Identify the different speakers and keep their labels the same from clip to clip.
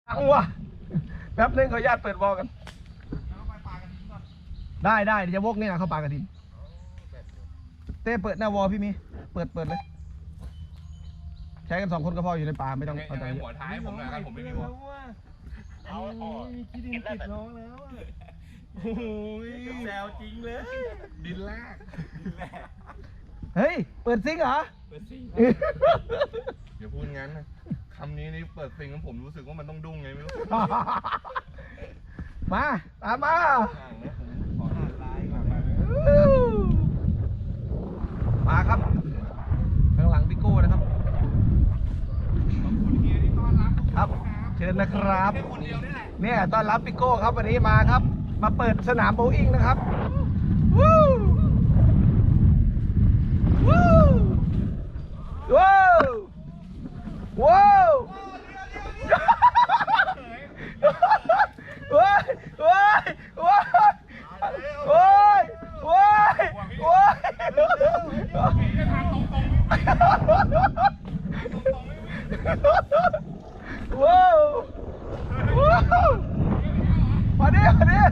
Speaker 1: เอาวะแป๊บนึงขออนุญาตเปิดวอลกันได้เดี๋ยวจะวกเนี่ยเข้าปลากระดินเต้เปิดหน้าวอลพี่มีเปิดเลยใช้กัน2 คนก็พออยู่ในป่าไม่ต้องเอาใจเยอะ
Speaker 2: หัวท้ายผมนะครับผมไม่มีหัวเอา
Speaker 3: มีขี้ดินติดน้องแล้ว
Speaker 2: โอ้ยแซวจริงเลยดินแรก
Speaker 1: เฮ้ยเปิดซิงเหรอ
Speaker 2: เปิดซิงอย่าพูดงั้นนะคำนี้นี่เปิดซิงแล้วผมรู้สึกว่ามันต้องดุ้งไงไม่รู้
Speaker 1: มาตามมามาครับข้างหลังพี่โก้นะครับครับเชิญนะครับเนี่ยต้อนรับพี่โก้ครับวันนี้มาครับมาเปิดสนามโบว์อิงนะครับวู้วู้ว้าวว้าวว้ายว้ายว้ายว้ายว้ายว้ายว้าวว้าวมาดิ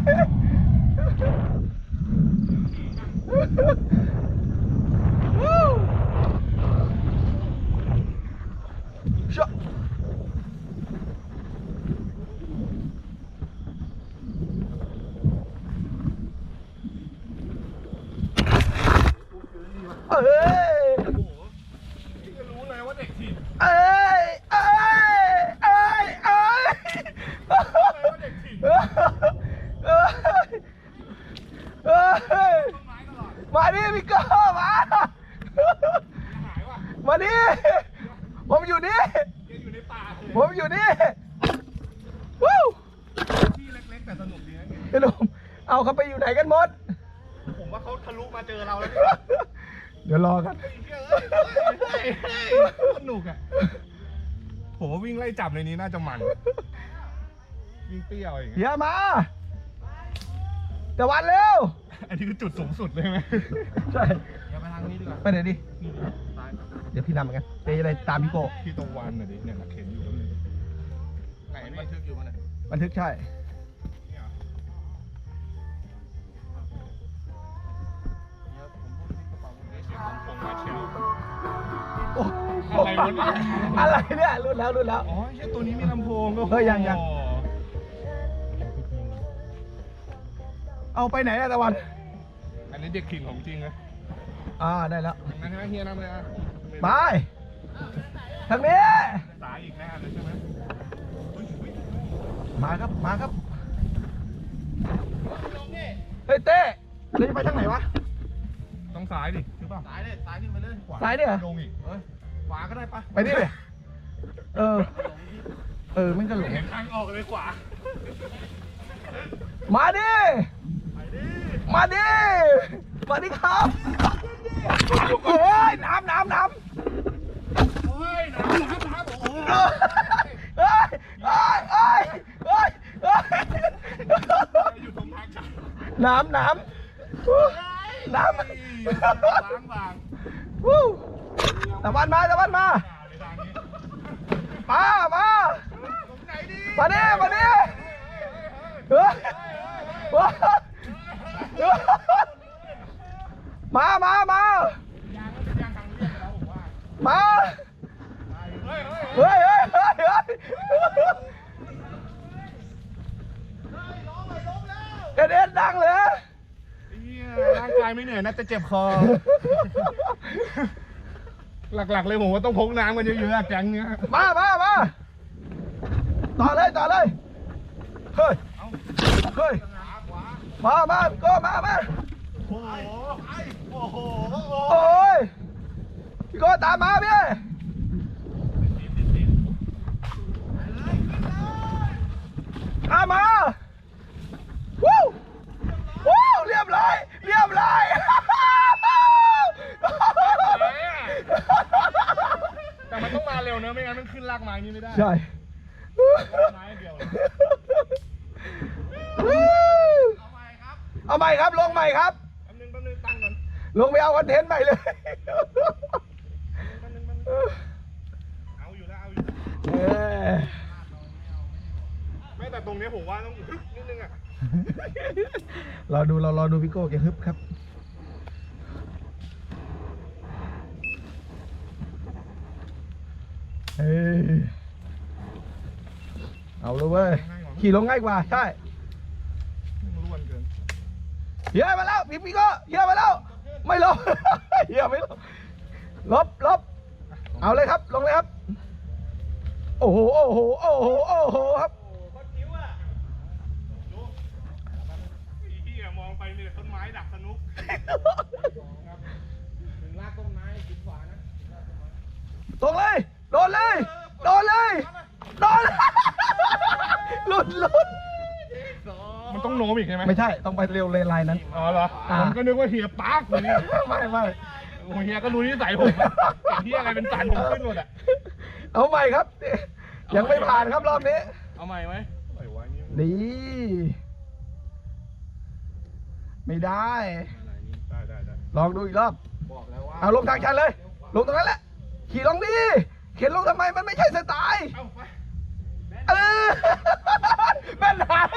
Speaker 1: วู้ชะเอ้ย
Speaker 2: รู้เลยว่าเด็กถิ่น
Speaker 1: เอ้ยมาดิพี่ก้อมาดิผมอยู่นี่
Speaker 2: อยู่ในป่า
Speaker 1: ผมอยู่นี่วู้
Speaker 2: ที่เล็กๆแต่สนุกดีนะ
Speaker 1: ไอ้หนุ่มเอาเขาไปอยู่ไหนกันหมด
Speaker 2: ผมว่าเขาทะลุมาเจอเราแล้ว
Speaker 1: เดี๋ยวรอกัน
Speaker 2: สนุกอ่ะผมว่าวิ่งไล่จับในนี้น่าจะมันวิ่งเปรี้ยวอย่างเงี้ย
Speaker 1: เดี๋ยวมาแต่วันเร็ว
Speaker 2: อันนี้คือจุดสูงสุดเลยไหม
Speaker 1: ใช่
Speaker 2: เดี๋ยวไปทางนี้ดีกว่า
Speaker 1: ไปไหนดิเดี๋ยวพี่นำเหมือนกันเดี๋ยวจะได้ตามพี่โก้
Speaker 2: พี่ตะวันหน่อยดิเนี่ยเข็นอยู่แล้วไหนบันทึกอยู่มั้ย
Speaker 1: บันทึกใช่อะไรเนี่ยรุ่นแล้ว
Speaker 2: อ๋อใช่ตัวนี้มีลำโพงก็
Speaker 1: เฮ้ยยังเอาไปไหนอะตะวัน
Speaker 2: อันนี้เด็กขิงของจริงเลย
Speaker 1: ได้แล้ว
Speaker 2: นั่นใช่ไหมเฮียนำเลย
Speaker 1: ไปทางนี้
Speaker 2: สายอีกแน่เลยใช่ไหม
Speaker 1: มาครับเฮ้ยเต้เราจะไปทางไหนวะ
Speaker 2: ต้องซ้ายดิคือป่ะซ้ายขึ้นไปเลย
Speaker 1: ซ้ายเนี่ย
Speaker 2: ลงอีกขวาก็ได้ปะ
Speaker 1: ไปนี่เลยมันก็หลง
Speaker 2: ทางออกเลยขวา
Speaker 1: มาดิครับเฮ้ยน้ำ
Speaker 2: โอ้ยน้ำโอ้อยู่ตรงทางชัน
Speaker 1: น้ำ
Speaker 2: บาง
Speaker 1: วู้ตะวันมามาดิมาเฮ้ยกระเด็นดังเลย
Speaker 2: ร่างกายไม่เหนื่อยน่าจะเจ็บคอหลักๆเลยผมว่าต้องพกน้ำกันเยอะๆแก๊งเนี้ย
Speaker 1: มาต่อเลยเฮ้ยมาก็มาโอ้ยพี่ก็ตามมาพี่ตามมาวู้เรียบร้อย
Speaker 2: แต่มันต้องมาเร็วเนอะไม่งั้นมันขึ้นลากไม้นี้ไม่ได้
Speaker 1: ใช่
Speaker 2: ไม้เดียว
Speaker 1: เอาใหม่ครับลงใหม่ครับ
Speaker 2: แป๊บนึงตั้งก่อน
Speaker 1: ลงไปเอาคอนเทนต์ใหม่เลย
Speaker 2: เอาอยู่แต่ตรงนี้ผมว่าต้องฮึบนิดนึงอ่ะ
Speaker 1: รอดูพี่โก้แกฮึบครับเฮ้ยเอาเลยเว้ยขี่ลงง่ายกว่าใช่
Speaker 2: มันล้วนเกิน
Speaker 1: เฮียมาแล้วพี่โก้เฮียมาแล้วไม่ลบ เฮียไม่ลบลบเอาเลยครับลงเลยครับโอ้โหครับ
Speaker 2: พี่มองไปมีแต่ต้นไม้ดักสนุก
Speaker 3: ถึงลากต้นไม้กินขวานะ
Speaker 1: ตรงเลยโดนเลยหลุด
Speaker 2: มันต้องโน้มอีกใช่ไหม
Speaker 1: ไม่ใช่ต้องไปเร็วเลยไลน์นั้น
Speaker 2: อ๋อเหรอผมก็นึกว่าเฮียปาร์คเลยนี่
Speaker 1: ไม่
Speaker 2: โอ้เฮียก็รู้นิสัยผมอะเห็นเฮียอะไรเป็นสันผมขึ้นหมดอ่ะ
Speaker 1: เอาใหม่ครับ ยังไม่ผ่านครับรอบนี้
Speaker 3: เอาใหม่ไหม
Speaker 2: ไอ้วะนี่
Speaker 1: ดีไม่ได้
Speaker 2: ได้
Speaker 1: ลองดูอีกรอบ
Speaker 3: บอกแล้วว่า
Speaker 1: เอาลงทางชันเลย ลงตรงนั้นแหละ ขี่ลงดิเข็นลงทำไมมันไม่ใช่สไตล์
Speaker 2: เอาไป
Speaker 1: เออมันหาย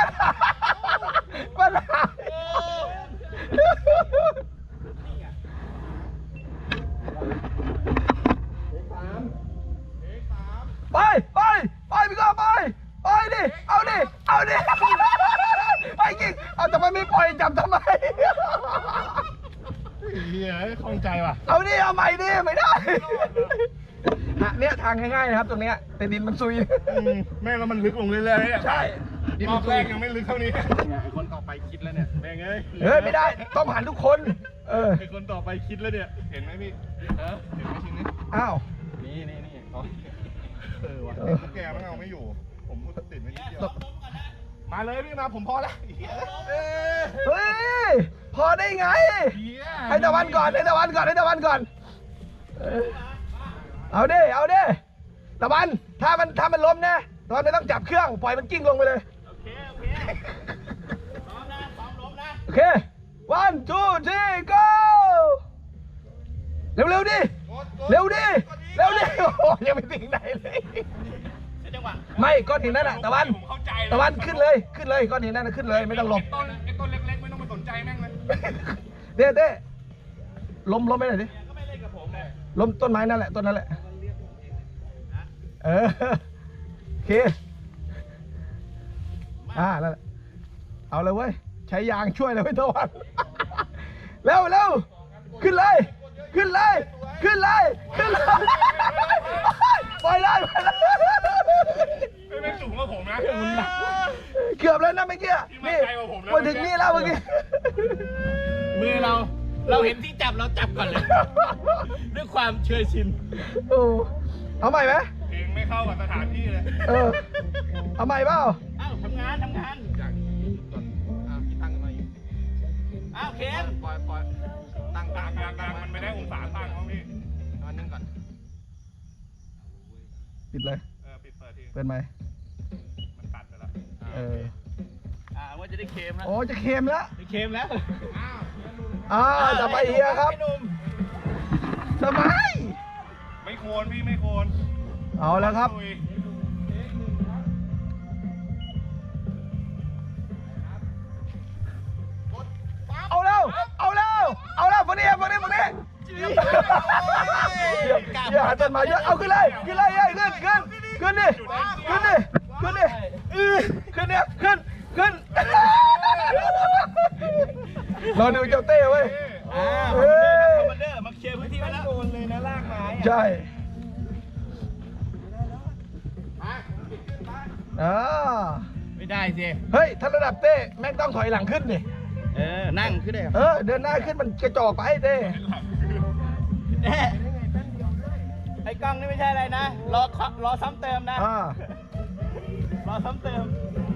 Speaker 1: ไปพี่ก็ไปดิเอาดิไปกิ่งเอาทำไมไม่ปล่อยจับทำไม
Speaker 2: เฮียคล่องใจว่ะ
Speaker 1: เอาดิเอาใหม่ดิไม่ได้เนี่ยทางง่ายๆนะครับตรงเนี้ยแต่ดินมันซุย
Speaker 2: แม่งแล้วมันลึกลงเรื่อยๆเนี่ย
Speaker 1: ใช่
Speaker 2: รอบแรกยังไม่ลึกเท่านี้
Speaker 3: ไอ้คนต่อไปคิดแล้วเนี่ย
Speaker 2: แม่งเอ้ย
Speaker 1: เฮ้ยไม่ได้ต้องผ่านทุกคน
Speaker 3: ไอ้คนต่อไปคิดแล้วเนี่ย
Speaker 2: เห็นไหมพี่
Speaker 3: ฮะ
Speaker 2: เห็นไหมชิ้นนี้
Speaker 1: อ้าว
Speaker 3: นี่อ๋อ
Speaker 2: ว่ะแกมันเอาไม่อยู่ ผมพูดติดไม่นิดเดียว
Speaker 1: ตก
Speaker 2: มาเลยพี่มาผมพอแล้ว
Speaker 1: เฮ้ยพอได้ไงให้ตะวันก่อนเอาดิตะวันถ้ามันล้มนะตอนไม่ต้องจับเครื่องปล่อยมันกิ้งลงไปเลยโอเคพร้อมล้มนะโอเค one two three go เร็วดิโอ้โหยังไม่ถึงไหนเลยไม่ก้อนหินนั่นน่ะตะวัน
Speaker 2: ผมเข้าใจ
Speaker 1: ตะวันขึ้นเลยก้อนหินนั่นน่ะขึ้นเลยไม่ต้องหลบ
Speaker 2: ไอ้ต้นเล็กๆไม่ต้องมาสนใจแม่งเลย
Speaker 1: เต้ล้มไปหน่อยดิล้มต้นไม้นั่นแหละต้นนั้นแหละโอเคนั่นแหละเอาเลยเว้ยใช้ยางช่วยเลยเว้ยตะวันเร็วขึ้นเลยปล่อยเลย
Speaker 2: ไม่สูงกว่าผมนะมันหนัก
Speaker 1: เกือบแล้วนะเมื่อกี้
Speaker 2: นี่
Speaker 1: นี่
Speaker 2: ไกลกว่าผมแล้ว
Speaker 1: มาถึงนี่แล้วเมื่อกี้
Speaker 3: มือเราเห็นที่จับเราจับก่อนเลย ด้วยความเชยชิน
Speaker 1: โอ้เอาใหม่ไหม
Speaker 2: เพลงไม่เข้ากับสถานที่เลย
Speaker 1: เอาใหม่เปล่า
Speaker 3: อ้าวทำงานจากก่อนกี่ตั้งกันมาอยู่อ้าวเคนปล่อยตั้ง
Speaker 2: ต่างมันไม่ได้องศาตั้งมั้งพี่
Speaker 3: วันนึงก่อน
Speaker 1: ปิดเลย
Speaker 2: ปิดเปิดที
Speaker 1: เปิดไหม
Speaker 2: มันตัดไปแล้ว
Speaker 3: ว่าจะได้เค็มแล้ว
Speaker 1: โอ้จะเค็มแล้ว
Speaker 3: ได้เค็มแล้ว
Speaker 1: จะไปเฮียครับสบาย
Speaker 2: ไม่โคนพี่ไม่โคน
Speaker 1: เอาแล้วครับ
Speaker 2: ลุย
Speaker 1: เอาแล้วฝั่งนี้อย่าหาต้นไม้เยอะเอาขึ้นเลยขึ้นดิรอดูเจ้าเต้เว้ย
Speaker 3: คอมมานเดอร์มาเคลียร์พื้นที่ไว้แล้วโดนเลยนะลากไม้
Speaker 1: ใช่
Speaker 3: ไม่ได้สิ
Speaker 1: เฮ้ยถ้าระดับเต้แม่งต้องถอยหลังขึ้นดิ
Speaker 3: นั่งขึ้นได้
Speaker 1: เดินหน้าขึ้นมันกระจอกไปเต้
Speaker 3: ไอ้กล้องนี่ไม่ใช่อะไรนะ รอซ้ำเติมนะ รอซ้ำเติม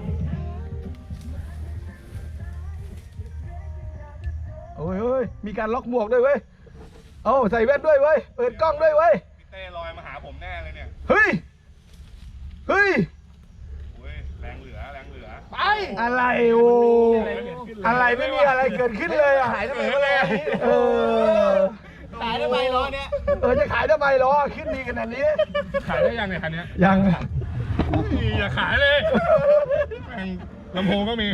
Speaker 1: โอ้ยมีการล็อกหมวกด้วยเว้ยใส่แว่นด้วยเว้ยเปิดกล้องด้วยเว้ย
Speaker 2: พี่เต้ลอยมาหาผมแน่เลยเนี่ย
Speaker 1: เฮ้ย
Speaker 2: โอ้ยแรงเหลือ
Speaker 1: ไปอะไรโอ้อะไรไม่มีอะไรเกิดขึ้นเลยหายทำไมวะเลย
Speaker 3: ขายทำไมล้อเนี่ย
Speaker 1: จะขายทำไมล้อขึ้นดีขนาดนี้
Speaker 2: ขายได้ยังเนี่ยคันนี้
Speaker 1: ยัง
Speaker 2: อย่าขายเลย
Speaker 1: เ
Speaker 2: ลำโพงก็มี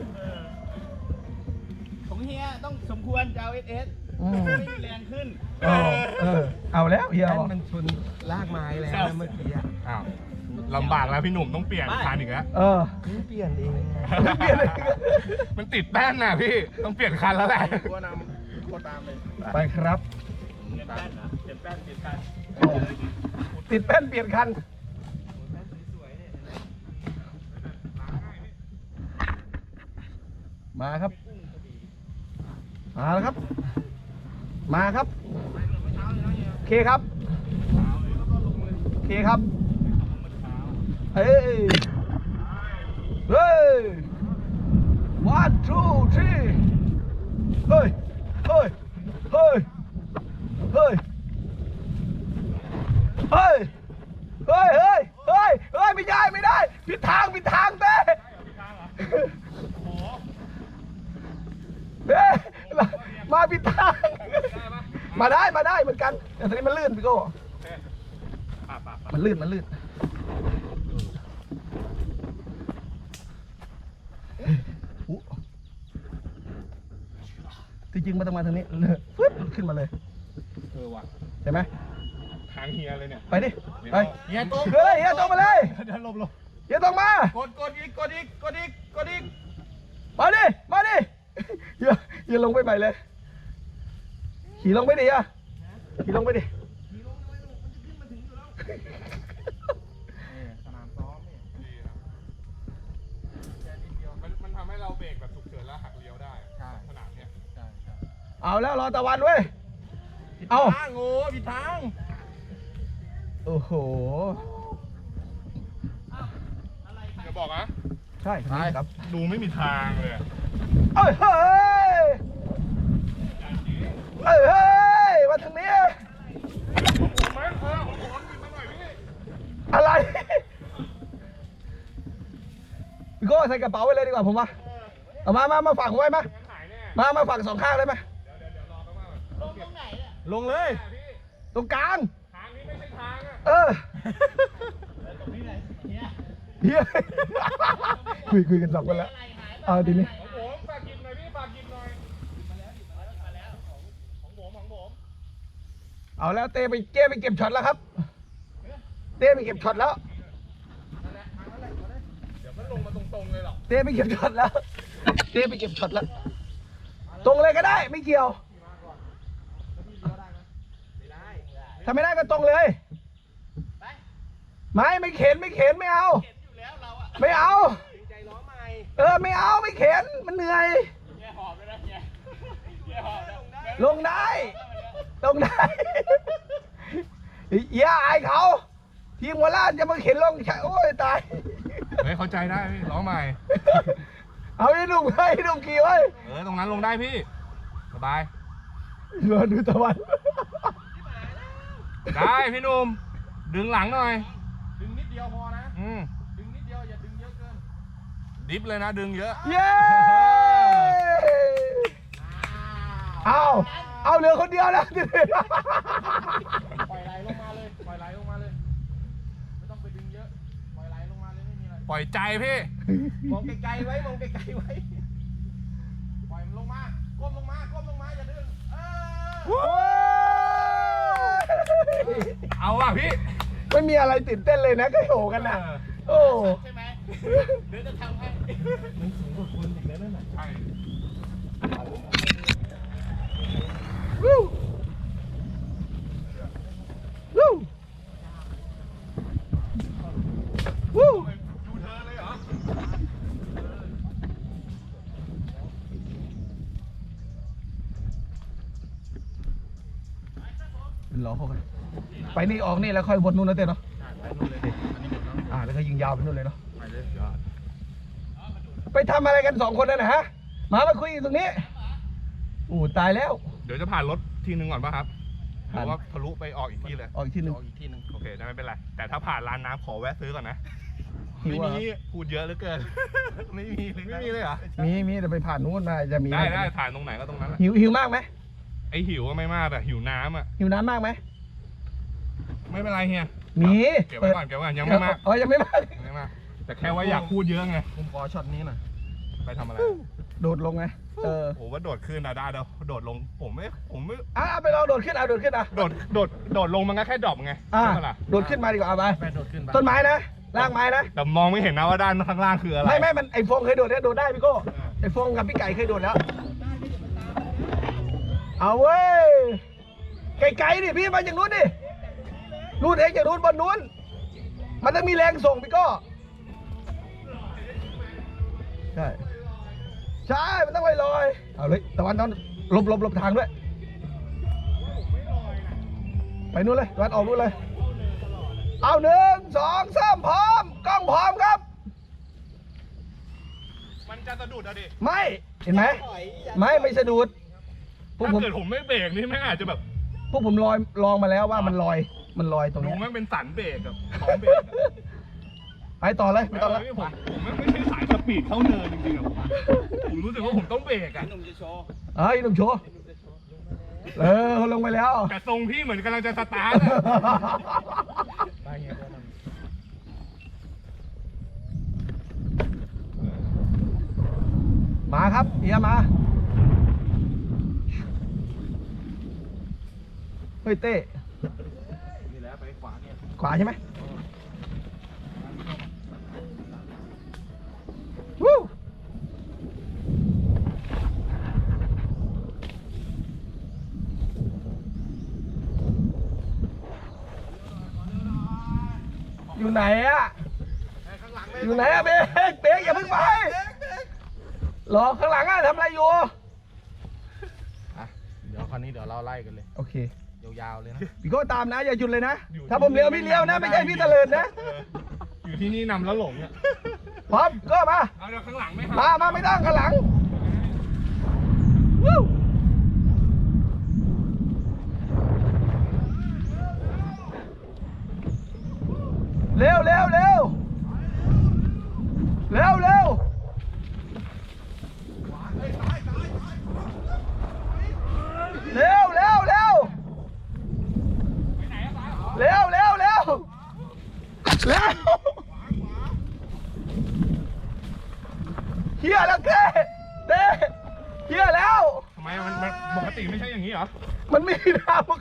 Speaker 3: ของเฮียต้องสมควรจะเอาเอส
Speaker 1: อืม
Speaker 3: ไม่มีแรงขึ้น
Speaker 1: เอาแล้วเฮีย
Speaker 4: แป้นมันชนลากไม้แล้วนะเมื่อกี้อะ
Speaker 2: อ้าวลำบากแล้วพี่หนุ่มต้องเปลี่ยนคันอีกแล้ว
Speaker 4: เพิ่งเปลี่ยนเองไง
Speaker 1: เปลี่ยนเลย
Speaker 2: มันติดแป้นน่ะพี่ต้องเปลี่ยนคันแล้วแหละ
Speaker 3: ตัวนำโคตรตามเลย
Speaker 1: ไปครับ
Speaker 3: เปลี่ยนแป้นเหรอเปลี่ยนแป้นเปลี่ยนคัน
Speaker 1: ติดแป้นเปลี่ยนคัน มาครับ มาแล้วครับ มาครับ โอเคครับ โอเคครับ เฮ้ย เฮ้ย one two three เฮ้ย เฮ้ย เฮ้ย เฮ้ย เฮ้ย เฮ้ย เฮ้ย เฮ้ย เฮ้ย ไม่ได้ ไม่ได้ ผิดทาง ผิดทางเต้เต้มาผิดทาง มาได้ มาได้เหมือนกัน แต่ตอนนี้มันลื่นพี่โก้มันลื่น มันลื่น ที่จริงมันต้องมาทางนี้เลยฟึ๊บขึ้นมาเลย
Speaker 2: ว่ะ
Speaker 1: ใช่ไหม
Speaker 2: ทางเฮียเลยเนี่ย
Speaker 1: ไปดิ ไป
Speaker 3: เฮียตรง
Speaker 1: เฮ้ยเฮียตรงมาเลย
Speaker 2: เดี๋ยวลบ
Speaker 1: เฮียตรงมา
Speaker 3: กดอีกกดอีกกดอีกกดอีก
Speaker 1: มาดิ มาดิเฮียลงไปใหม่เลย ขี่ลงไปดิอ่ะขี่ลงไปดิ
Speaker 3: สนามซ้อมเนี่ย
Speaker 2: ดีครับมันทำให้เราเบรกแบบฉุกเฉินแล้วหักเลี้ยวได้สนามเนี่ย
Speaker 3: ใช่ใช่
Speaker 1: เอาแล้วรอตะวันเว้ย เอา
Speaker 3: ทางโง่ผิดทาง
Speaker 1: โอ้โห
Speaker 2: อย่าบอกนะ
Speaker 1: ใช่ใช่ครับ
Speaker 2: ดูไม่มีทางเลยอะ
Speaker 1: เอ้ยเฮ้ยเอ้ยเฮ้ยมาทางนี้
Speaker 2: ผมไหมผมหยิบมาหน่อยพี่
Speaker 1: อะไรพี่โก้ใส่กระเป๋าไว้เลยดีกว่าผมว่าเอามาฝากผมไว้มา
Speaker 2: หายแน่
Speaker 1: มาฝากสองข้างเลยไหม
Speaker 3: ลงเลย
Speaker 1: ตรงกลาง
Speaker 2: ทางนี้ไม่ใช่ทางอ่ะ
Speaker 1: เออเฮียคุยกันสองคนแล้ว เอาทีนี้
Speaker 2: ของผมฝากกินหน่อยพี่ฝากกินหน่อยของผม
Speaker 1: เอาแล้วเต้ไปเก็บช็อตแล้วครับ เต้ไปเก็บช็อตแล้ว
Speaker 2: เดี๋ยวมันลงมาตรงๆเลยหรอ
Speaker 1: เต้ไปเก็บช็อตแล้ว เต้ไปเก็บช็อตแล้ว ตรงเลยก็ได้ ไม่เกี่ยว ถ้าไม่ได้ก็ตรงเลย ไม่เข็นไม่เอา ไม่เอา
Speaker 3: ใจร้อนใหม่
Speaker 1: ไม่เอาไม่เข็นมันเหนื่อย
Speaker 3: เฮียหอบเลยนะเฮียหอบนะ
Speaker 1: ลงได้อย่าอายเขาทีมหัวล้านจะมาเข็นลงใช่โอ้ยตาย
Speaker 2: เฮ้ยเข้าใจได้พี่ล้อใหม่
Speaker 1: เอาให้หนุ่มขี่ไว้
Speaker 2: ตรงนั้นลงได้พี่สบาย
Speaker 1: รอดูตะวัน
Speaker 2: ได้พี่หนุ่มดึงหลังหน่อย
Speaker 3: ดึงนิดเดียวพอนะ ดึงนิดเดียวอย่าดึงเยอะเกิน
Speaker 2: ดิฟเลยนะดึงเยอะ
Speaker 1: เย้เอาเหลือคนเดียวแล้ว
Speaker 3: ปล่อยไหลลงมาเลย ปล่อยไหลลงมาเลย ไม่ต้องไปดึงเยอะ ปล่อยไหลลงมาเลยไม่มีอะไร
Speaker 2: ปล่อยใจพี่
Speaker 3: มองไกลๆไว้ มองไกลๆไว้ ปล่อยมันลงมา ก้มลงมา อย่าดึง
Speaker 2: เอาว่ะพี่
Speaker 1: ไม่มีอะไรตื่นเต้นเลยนะก็โหกันนะโอ้
Speaker 3: ใช่ไหมเดี๋ยวจะทำให้
Speaker 2: ใช่
Speaker 1: วู้วู้วู้
Speaker 2: ดูเธอเลยเหรอ
Speaker 1: รอเขากันไปนี่ออกนี่แล้วค่อยวนนู่นนะเต้เนาะ
Speaker 3: ไปนู่นเลยดิอันนี้หมดแล้ว
Speaker 1: แล้วก็ยิงยาวไปนู่นเลยเนาะ
Speaker 3: ไปเลยยอด
Speaker 1: ไปทำอะไรกันสองคนนั่นนะฮะมาคุยตรงนี้ตายแล้ว
Speaker 2: เดี๋ยวจะผ่านรถทีนึงก่อนป่ะครับห
Speaker 1: ผ่าน
Speaker 2: รือว่าทะลุไปออกอีกที่เลย
Speaker 1: ออกอีกที่หนึ่ง
Speaker 3: ออกอีกที่หนึ่ง
Speaker 2: โอเคได้ไม่เป็นไร แต่ถ้าผ่านร้านน้ำขอแวะซื้อก่อนนะ
Speaker 1: หิ
Speaker 2: ไม่
Speaker 1: วอะ
Speaker 2: มีพูดเยอะเหลือเกิน ไม่มีเลยเหรอ
Speaker 1: มีแต่ไปผ่านนู้นมาจะมี
Speaker 2: ได้ถ่ายตรงไหนก็ตรงนั้นแหละ
Speaker 1: หิวมากไหม
Speaker 2: ไอหิวก็ไม่มากแต่หิวน้ำอ่ะ
Speaker 1: หิวน้ำมากไหม
Speaker 2: ไม่เป็นไรเฮีย
Speaker 1: มี
Speaker 2: เก็บไว้ก่อนยังไม่มาก
Speaker 1: ยังไม่มาก
Speaker 2: ยังไม่มากแต่แค่ว่าอยากพูดเยอะไง
Speaker 3: ผมขอช็อตนี้หน่อย
Speaker 2: ไปทำอะไร
Speaker 1: โดดลงไง
Speaker 2: โอ้ว่าโดดขึ้นนะได้เดี๋ยวโดดลงผมไม่
Speaker 1: ไปลองโดดขึ้นโดดขึ้นอ่ะ
Speaker 2: โดดลงมันก็แค่ดรอปไง
Speaker 1: อ่ะ
Speaker 2: ใช่ปะล่ะ
Speaker 1: โดดขึ้นมาดีกว่าเอาไป
Speaker 3: ไปโดดขึ้นไป
Speaker 1: ต้นไม้นะรากไม้นะ
Speaker 2: แต่มองไม่เห็นนะว่าด้านข้างล่างคืออะไร
Speaker 1: ไม่มันไอโฟงเคยโดดเนี่ยโดดได้พี่โก้ไอโฟงกับพี่ไก่เคยโดดแล้ว เอาเว้ยไกลๆดิพี่มาจากนู้นดินู้นเองจากนู้นบนนู้นมันต้องมีแรงส่งพี่โก้ใช่ใช่มันต้องลอยเอาเลยตะวันต้องหลบทางด้วยไปนู้นเลยตะวันออกนู้นเลยเอา1 2 3พร้อมกล้องพร้อมครับ
Speaker 2: มันจะสะดุดอะดิ
Speaker 1: ไม่เห็นไหมไม่สะดุดพวก
Speaker 2: ถ้า
Speaker 1: ผม
Speaker 2: เกิดผมไม่เบรกนี่แม่งอาจจะแบบ
Speaker 1: พวกผมลองมาแล้วว่ามันลอยตรง
Speaker 2: ดู
Speaker 1: เนี้ย
Speaker 2: แม่งเป็นสันเบรกกับพร้อมเบรกอะ
Speaker 1: ไปต่อเลยไม่ต้องแล้ว
Speaker 2: ผมไม่ใช่สายสปีดเข้าเนินจริงๆอะผมรู้สึกว่าผมต้องเบรกอะ
Speaker 1: หนุ่มโชว์เขาลงไปแล้ว
Speaker 2: แต่ทรงพี่เหมือนกำลังจะสตาร์ทอะ
Speaker 3: ไปเฮียก็น
Speaker 1: มาครับเฮียมาเฮ้ยเต้
Speaker 3: ำนี่แหละไปขวาเนี่ย
Speaker 1: ขวาใช่ไหมวู้อยู่ไหนอะอยู่ไหนอะเบรกอย่าเพิ่งไปหรอข้างหลังอะทำอะไรอยู่
Speaker 3: อ่ะเดี๋ยวคราวนี้เดี๋ยวเราไล่กันเลย
Speaker 1: โอเค
Speaker 3: ยาวๆเลยนะ
Speaker 1: พี่โก้ตามนะอย่าหยุดเลยนะ ถ้าผมเลี้ยวพี่เลี้ยวนะ ไม่ใช่พี่เตลิดนะ
Speaker 2: อยู่ที่นี่นำแล้วหลงเนี่ย
Speaker 1: พร้อมก็มา
Speaker 2: เอาเดี๋ยวข้างหลังไม่
Speaker 1: มาไม่ต้องข้างหลังวู้เร็วเร็วเร็วเร็วเร็วเร็วเร็วเร็วเร็วเร็วเร็วเร็วเฮียแล้วเต้เฮียแล้ว
Speaker 2: ทำไมมันปกติไม่ใช่อย่างนี้เหรอ
Speaker 1: มันไม่มีทาง